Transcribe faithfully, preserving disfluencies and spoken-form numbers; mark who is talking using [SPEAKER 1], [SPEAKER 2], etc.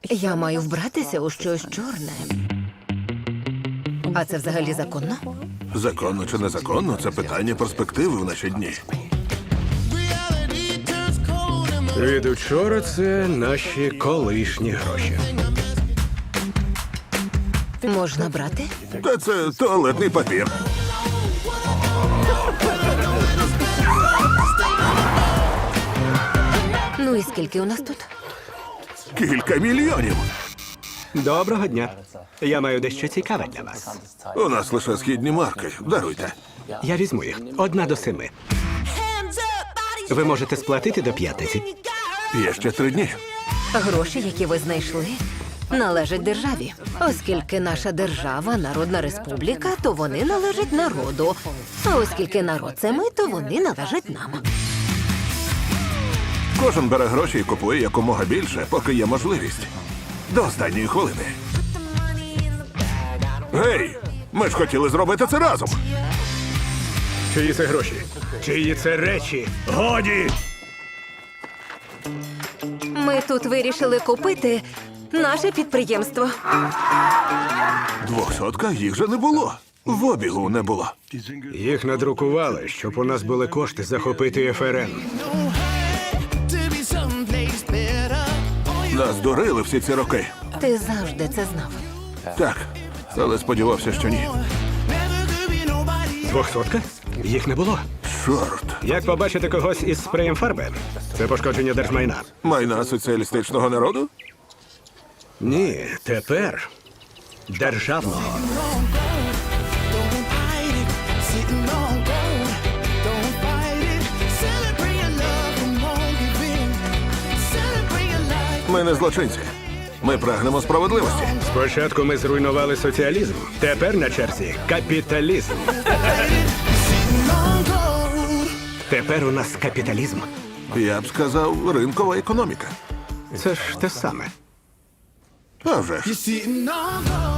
[SPEAKER 1] Я маю вбратися у щось чорне. А це взагалі законно?
[SPEAKER 2] Законно чи незаконно – це питання перспективи в наші дні.
[SPEAKER 3] Від учора це наші колишні гроші.
[SPEAKER 1] Можна брати?
[SPEAKER 2] Та це туалетний папір.
[SPEAKER 1] Ну і скільки у нас тут?
[SPEAKER 2] Кілька мільйонів.
[SPEAKER 3] Доброго дня. Я маю дещо цікаве для вас.
[SPEAKER 2] У нас лише східні марки. Даруйте.
[SPEAKER 3] Я візьму їх. Одна до семи. Ви можете сплатити до п'ятниці.
[SPEAKER 2] Є ще три дні.
[SPEAKER 1] Гроші, які ви знайшли, належать державі. Оскільки наша держава – народна республіка, то вони належать народу. А оскільки народ – це ми, то вони належать нам.
[SPEAKER 2] Кожен бере гроші і купує якомога більше, поки є можливість. До останньої хвилини. Гей! Ми ж хотіли зробити це разом.
[SPEAKER 3] Чиї це гроші? Чиї це речі? Годі!
[SPEAKER 1] Ми тут вирішили купити наше підприємство.
[SPEAKER 2] Двохсотка їх же не було. В обігу не було.
[SPEAKER 3] Їх надрукували, щоб у нас були кошти захопити еф ер ен.
[SPEAKER 2] Нас дурили всі ці роки.
[SPEAKER 1] Ти завжди це знав.
[SPEAKER 2] Так, але сподівався, що ні.
[SPEAKER 3] Двохсотка? Їх не було.
[SPEAKER 2] Чорт.
[SPEAKER 3] Як побачити когось із спреєм фарби? Це пошкодження держмайна.
[SPEAKER 2] Майна соціалістичного народу?
[SPEAKER 3] Ні, тепер державного.
[SPEAKER 2] Ми не злочинці. Ми прагнемо справедливості.
[SPEAKER 3] Спочатку ми зруйнували соціалізм. Тепер на черзі капіталізм. Тепер у нас капіталізм.
[SPEAKER 2] Я б сказав, ринкова економіка.
[SPEAKER 3] Це ж те саме.
[SPEAKER 2] А вже ж.
[SPEAKER 4] Sitting on gold.